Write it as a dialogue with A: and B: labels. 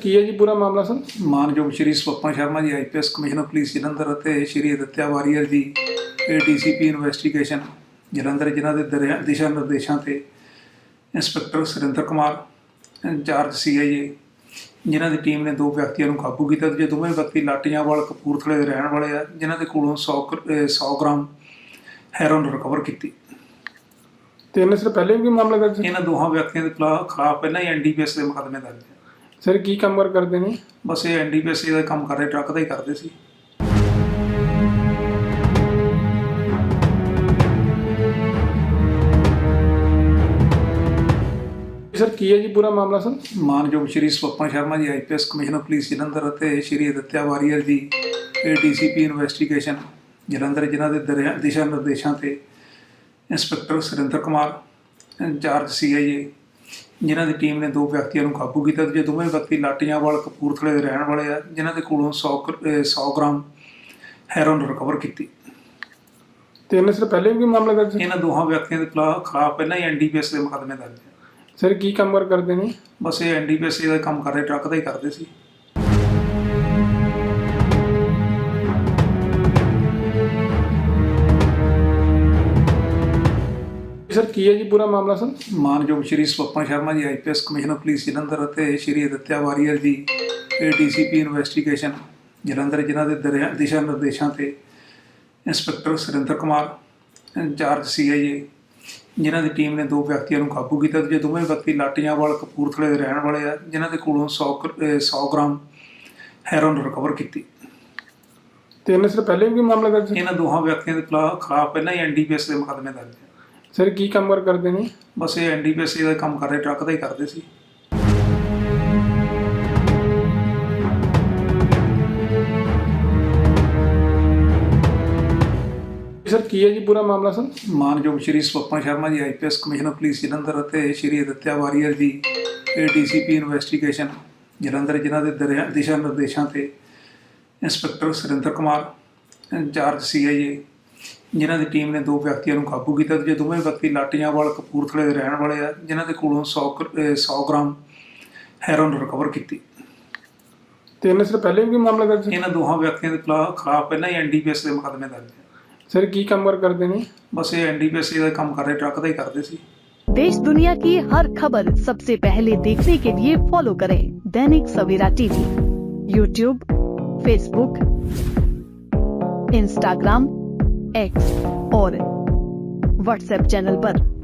A: ਕੀ ਹੈ ਜੀ ਪੂਰਾ ਮਾਮਲਾ ਸਰ?
B: ਮਾਨਯੋਗ ਸ਼੍ਰੀ ਸਵਪਨ ਸ਼ਰਮਾ ਜੀ ਆਈਪੀਐਸ ਕਮਿਸ਼ਨਰ ਪੁਲਿਸ ਜਲੰਧਰ ਅਤੇ ਸ਼੍ਰੀ ਅਦਿੱਤਿਆ ਵਾਰੀਅਰ ਜੀ ਏਡੀਸੀਪੀ ਇਨਵੈਸਟੀਗੇਸ਼ਨ ਜਲੰਧਰ ਜਿਨ੍ਹਾਂ ਦੇ ਦਿਸ਼ਾ ਨਿਰਦੇਸ਼ਾਂ ਤੇ inspector Surinder Kumar incharge CIA ਜਿਨ੍ਹਾਂ ਦੀ ਟੀਮ ਨੇ 2 ਵਿਅਕਤੀਆਂ ਨੂੰ ਕਾਬੂ ਕੀਤਾ ਤੇ ਦੋਵੇਂ ਵਿਅਕਤੀ ਲਾਟੀਆਂਵਾਲ ਕਪੂਰਥਲੇ ਦੇ ਰਹਿਣ ਵਾਲੇ ਆ ਜਿਨ੍ਹਾਂ ਦੇ ਕੋਲੋਂ 100 ਗ੍ਰਾਮ ਹੈਰੋਇਨ ਰਿਕਵਰ ਕੀਤੀ।
A: ਤੇ ਇਹਨਾਂ ਸਿਰ ਪਹਿਲੇ ਵੀ ਕੋਈ ਮਾਮਲਾ ਦਰਜ ਹੈ?
B: ਇਹਨਾਂ ਦੋਹਾਂ ਵਿਅਕਤੀਆਂ ਦੇ ਖਿਲਾਫ ਪਹਿਲਾਂ ਹੀ ਐਨਡੀਪੀਐਸ ਦੇ ਮੁਕੱਦਮੇ ਦਰਜ ਹੈ।
A: ਸਰ ਕੀ ਕੰਮ ਕਰਦੇ ਨੇ?
B: ਬਸ ਇਹ ਐਨਡੀਪੀਐਸ ਦਾ ਕੰਮ ਕਰ ਰਹੇ, ਟਰੱਕ ਦਾ ਹੀ ਕਰਦੇ ਸੀ।
A: ਸਰ ਕੀ ਹੈ ਜੀ ਪੂਰਾ ਮਾਮਲਾ ਸਰ?
B: ਮਾਨਯੋਗ ਸ਼੍ਰੀ ਸਵਪਨ ਸ਼ਰਮਾ ਜੀ ਆਈਪੀਐਸ ਕਮਿਸ਼ਨਰ ਪੁਲਿਸ ਜਲੰਧਰ ਅਤੇ ਸ਼੍ਰੀ ਅਦਿੱਤਿਆ ਵਾਰੀਅਰ ਜੀ ਏਡੀਸੀਪੀ ਇਨਵੈਸਟੀਗੇਸ਼ਨ ਜਲੰਧਰ ਜਿਨ੍ਹਾਂ ਦੇ ਦਿਸ਼ਾ ਨਿਰਦੇਸ਼ਾਂ ਤੇ inspector Surinder Kumar incharge CIA ਜਿਨ੍ਹਾਂ ਦੀ ਟੀਮ ਨੇ 2 ਵਿਅਕਤੀਆਂ ਨੂੰ ਕਾਬੂ ਕੀਤਾ ਤੇ ਦੋਵੇਂ ਵਿਅਕਤੀ ਲਾਟੀਆਂਵਾਲ ਕਪੂਰਥਲੇ ਦੇ ਰਹਿਣ ਵਾਲੇ ਆ ਜਿਨ੍ਹਾਂ ਦੇ ਕੋਲੋਂ 100 ਗ੍ਰਾਮ ਹੈਰੋਇਨ ਰਿਕਵਰ ਕੀਤੀ।
A: ਤੇ ਇਹਨਾਂ ਸਿਰ ਪਹਿਲੇ ਵੀ ਕੋਈ ਮਾਮਲਾ ਦਰਜ ਹੈ?
B: ਇਹਨਾਂ ਦੋਹਾਂ ਵਿਅਕਤੀਆਂ ਦੇ ਖਿਲਾਫ ਪਹਿਲਾਂ ਹੀ ਐਨਡੀਪੀਐਸ ਦੇ ਮੁਕੱਦਮੇ ਦਰਜ ਹੈ।
A: ਸਰ ਕੀ ਕੰਮ ਕਰਦੇ ਨੇ?
B: ਬਸ ਇਹ ਐਨਡੀਪੀਐਸ ਦਾ ਕੰਮ ਕਰ ਰਹੇ, ਟਰੱਕ ਦਾ ਹੀ ਕਰਦੇ ਸੀ।
A: ਸਰ ਕੀ ਹੈ ਜੀ ਪੂਰਾ ਮਾਮਲਾ ਸਰ?
B: ਮਾਨਯੋਗ ਸ਼੍ਰੀ ਸਵਪਨ ਸ਼ਰਮਾ ਜੀ ਆਈਪੀਐਸ ਕਮਿਸ਼ਨਰ ਪੁਲਿਸ ਜਲੰਧਰ ਅਤੇ ਸ਼੍ਰੀ ਅਦਿੱਤਿਆ ਵਾਰੀਅਰ ਜੀ ਏਡੀਸੀਪੀ ਇਨਵੈਸਟੀਗੇਸ਼ਨ ਜਲੰਧਰ ਜਿਨ੍ਹਾਂ ਦੇ ਦਿਸ਼ਾ ਨਿਰਦੇਸ਼ਾਂ ਤੇ inspector Surinder Kumar incharge CIA ਜਿਨ੍ਹਾਂ ਦੀ ਟੀਮ ਨੇ 2 ਵਿਅਕਤੀਆਂ ਨੂੰ ਕਾਬੂ ਕੀਤਾ ਤੇ ਦੋਵੇਂ ਵਿਅਕਤੀ ਲਾਟੀਆਂਵਾਲ ਕਪੂਰਥਲੇ ਦੇ ਰਹਿਣ ਵਾਲੇ ਆ ਜਿਨ੍ਹਾਂ ਦੇ ਕੋਲੋਂ 100 ਗ੍ਰਾਮ ਹੈਰੋਇਨ ਰਿਕਵਰ ਕੀਤੀ।
A: ਤੇ ਇਹਨਾਂ ਸਿਰ ਪਹਿਲੇ ਵੀ ਕੋਈ ਮਾਮਲਾ ਦਰਜ ਹੈ?
B: ਇਹਨਾਂ ਦੋਹਾਂ ਵਿਅਕਤੀਆਂ ਦੇ ਖਿਲਾਫ ਪਹਿਲਾਂ ਹੀ ਐਨਡੀਪੀਐਸ ਦੇ ਮੁਕੱਦਮੇ ਦਰਜ ਹੈ।
A: ਸਰ ਕੀ ਕੰਮ ਕਰਦੇ ਨੇ?
B: ਬਸ ਇਹ ਐਨਡੀਪੀਐਸ ਦਾ ਕੰਮ ਕਰ ਰਹੇ, ਟਰੱਕ ਦਾ ਹੀ ਕਰਦੇ ਸੀ।
A: ਸਰ ਕੀ ਹੈ ਜੀ ਪੂਰਾ ਮਾਮਲਾ ਸਰ?
B: ਮਾਨਯੋਗ ਸ਼੍ਰੀ ਸਵਪਨ ਸ਼ਰਮਾ ਜੀ ਆਈਪੀਐਸ ਕਮਿਸ਼ਨਰ ਪੁਲਿਸ ਜਲੰਧਰ ਅਤੇ ਸ਼੍ਰੀ ਅਦਿੱਤਿਆ ਵਾਰੀਅਰ ਜੀ ਏਡੀਸੀਪੀ ਇਨਵੈਸਟੀਗੇਸ਼ਨ ਜਲੰਧਰ ਜਿਨ੍ਹਾਂ ਦੇ ਦਿਸ਼ਾ ਨਿਰਦੇਸ਼ਾਂ ਤੇ inspector Surinder Kumar incharge CIA ਜਿਨ੍ਹਾਂ ਦੀ ਟੀਮ ਨੇ 2 ਵਿਅਕਤੀਆਂ ਨੂੰ ਕਾਬੂ ਕੀਤਾ ਤੇ ਦੋਵੇਂ ਵਿਅਕਤੀ ਲਾਟੀਆਂਵਾਲ ਕਪੂਰਥਲੇ ਦੇ ਰਹਿਣ ਵਾਲੇ ਆ ਜਿਨ੍ਹਾਂ ਦੇ ਕੋਲੋਂ 100 ਗ੍ਰਾਮ ਹੈਰੋਇਨ ਰਿਕਵਰ ਕੀਤੀ।
A: ਤੇ ਇਹਨਾਂ ਸਿਰ ਪਹਿਲੇ ਵੀ ਕੋਈ ਮਾਮਲਾ ਦਰਜ ਹੈ?
B: ਇਹਨਾਂ ਦੋਹਾਂ ਵਿਅਕਤੀਆਂ ਦੇ ਖਿਲਾਫ ਪਹਿਲਾਂ ਹੀ ਐਨਡੀਪੀਐਸ ਦੇ ਮੁਕੱਦਮੇ ਦਰਜ ਹੈ।
A: ਸਰ ਕੀ ਕੰਮ ਕਰਦੇ ਨੇ?
B: ਬਸ ਇਹ ਐਨਡੀਪੀਐਸ ਦਾ ਕੰਮ ਕਰ ਰਹੇ, ਟਰੱਕ ਦਾ ਹੀ ਕਰਦੇ ਸੀ।
C: देश दुनिया की हर खबर सबसे पहले देखने के लिए फॉलो करें Dainik Savera TV, YouTube, Facebook, Instagram, X और व्हाट्सएप चैनल पर।